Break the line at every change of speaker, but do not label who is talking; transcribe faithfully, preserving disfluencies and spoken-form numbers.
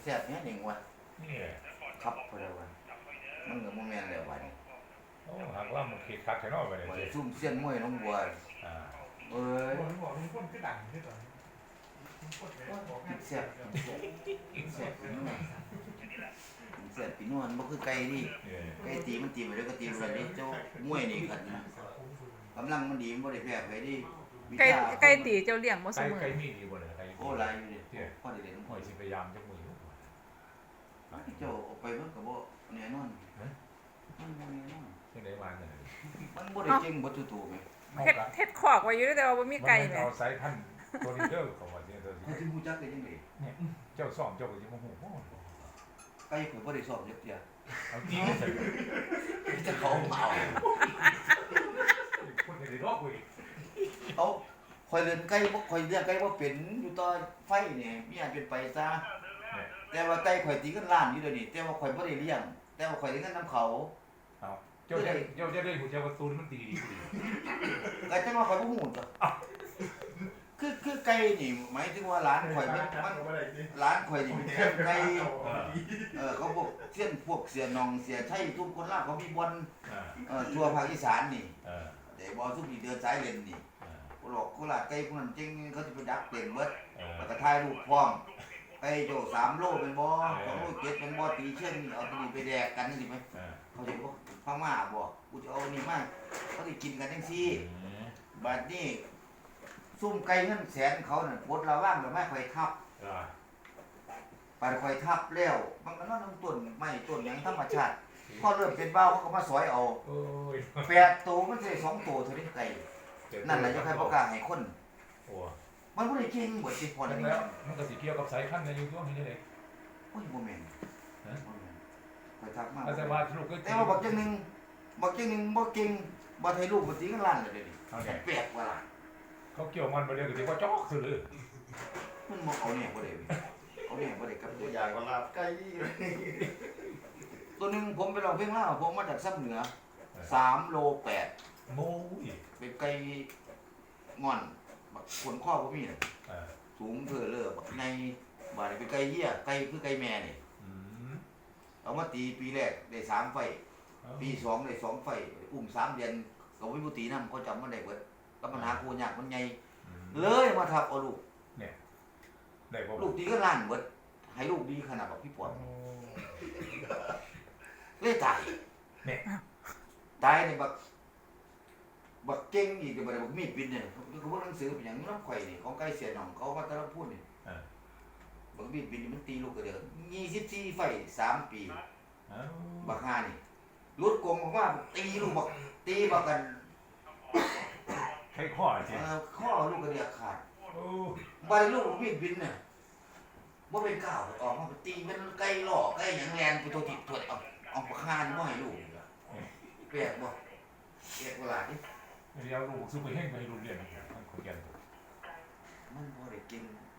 แซ่บเนี่ยหนึ่งวะ
นี่
ครับพอดีวะมันก็บ่แม่นแล้ววะนี่
โอ้หักล่ำมันคิดคักแค่นอกไปเลย
บ่ได้
สิ
ซุ่มเซียนมวยน้องบัว
อ่า
เอ้ย
บอกบอกลุงพลคือดังที่สุดลุงพลบอกงาน
แซ่บแซ่บปีนวลแซ่บปีนวลบ่คือไก่ดิไก่ตีมันตีไปแล้วก็ตีไปเลยเจ้ามวยนี่คันนะกำลังมันดีมันบ่ได้แพ้ไผดิ
ไก่ไก่ตีเจ้าเลี้ยงบ่เส
ไก่
มอ
ไก่มีดีบ่เลยไก่
โอ้หลายอยู่ดิพอได้เล่น
หอยสิพยายามจักมือ
เจ้าเอาไปมันก็บ่แน่นอนมันบ่แน่นอน
ที่ไหนมาเนี่ย
มันบ่ได้เก่งบ่ทุกตัวแม่
เฮ็ดเฮ็ดคอกไว้อยู่แต่ว่าบ่มีไก่แหม
เอาสายพันธุ์ตัวนี้เด้อเขาว่าเนี่ยเด้อ
เขาสิฮู้จักได้จังได๋
เจ้าซ่อมเจ้าก็สิบ่ฮู้บ่
ไก่ข่อยบ่ได้สอบจักเที่ย
เอาตีใส่
จะเขาเอา
คนได้รอกกูอีก
เอาข่อยเลี้ยงไก่บ่ข่อยเลี้ยงไก่บ่เป็นอยู่ต่อไฟนี่มีอันเป็นไปซะแต่ว่าไก่ข่อยตีกันล้านอยู่เดี๋ยวนี้แต่ว่าข่อยบ่ได้เลี้ยงแต่ว่าข่อยได้เงินนำเขา
เอาเจ้าจะเจ้าจะได้หูเจ้าประตูมันตีดีดี
ก็จังว่าข่อยบ่ฮู้จ้ะคือคือไก่นี่หมายถึงว่าร้านข่อยมันมันร้านข่อยนี่เป็นเส้นไก่เออเขาบอกเส้นพวกเสียนองเสียชัยทุกคนลาวเขามีบ่อน
อ่า
เอ่อทั่วภาคอีสานนี่
เออ
แต่บ่ซุมที่เดินสายเล่นนี่
อ่า
บ่หรอกโคราชไก่พวกนั้นจริงเขาสิไปดักเต็มเบิด
เออ
แล้วก็ถ่ายรูปพร้อมไปโจสามโลเป็นบ่สองโลเจ็ดเป็นบ่ตีเช่นเอาตัวนี้ไปแดกกันนี่สิไหม
เออ
เขาสิบ่พม่าบ่กูจะเอานี่มาเขาสิกินกันจังซี่
อืม
บัดนี้ซุ่มไก่เงินแสนเขานั่นปลดระว่างแล้วไม่ค่อยทับ
อ่า
ปาดค่อยทับแล้วมันก็นอนน้ำต้นไม้ต้นหยังธรรมชาติพอเริ่มเป็นเบ้าเขาก็มาสอยเอา
โอ้ย
แปดตัวมันสิได้สองตัวเท่านี้ไก่นั่นแหละจะใครประกล้าศให้คน
โอ้
มันบ่ได้เก่งเบิดสิพอ
แล้ว
นี่
มันก็สิเกี่ยวกับสายพันธุ์ในยุคนี้นี่เลย
โอ้ยบ่แม่นบ่แม่นค่อยทักมา
อาจจะว่าลูกก็
แต่ว่าบักจังหนึงบักจังหนึงบ่เก่งบ่ให้ลูกบ่ตีกันล้านเลยเดี๋ยวนี้
เอาไง
แปลกว่าล่ะ
เขาเกี่ยวมันไปเรื่อยก็เรียกว่าจอกสุดเลย
มันบ่เอาเนี่ยบ่ได้เว้ยเอาเนี่ยบ่ได้กับ
ตั
ตัว ว
อย่างก็ลาบไก่
ตัวหนึงผมไปร้องเพลงลาวผมมาจากซับเหนือสามโลแปด
โม้ย
เป็นไก่งอนบักขนข้อบ่มีน่ะ
เออ
สูงเพ้อเล้อบักในบาดนี้เป็นไก่เหี้ยไก่คือไก่แม่นี่
อืม
เอามาตีปีแรกได้สามไฟปีสองได้สองไฟอุ้มสามเดือนก็บ่มีผู้ตีนำเขาจำมันได้เบิดก็ปัญหาโคยากมันใหญ่เลยมาทับเอาลูก
ได้บ่
ลูกตีก็ล้านเบิดให้ลูกดีขนาดบักพี่ปอดเลยตายตายนี่บักบักเก่งอีกเดี๋ยวบักบักมีดบินเนี่ยคือพวกหนังสือเป็นหยังน้ำข่อยนี่ของไก่เสียหนองเขามาแตะละพูดนี่
เออ
บักมีดบินนี่มันตีลูกกระเดือกยี่สิบสี่ไฟสามปี
เอ้า
บักฮานี่รุดกงบอกว่าตีลูกบักตีบักกัน
ใครข้อจริง
เอ่อข้อลูกกระเดือกขาด
โอ้
ใบลูกมีดบินเนี่ยว่าเป็นก้าวออกมาตีเป็นไก่หล่อไก่หยังแลนไปตัวติดตัวเอาเอาบักฮานี่มาให้ลูกแปลกบ่แปลกเวลาดิ
เดี๋ยวลูกซื้อไปให้ไปโรงเรียนทั้งคนเรียน
มันบ่ได้กิน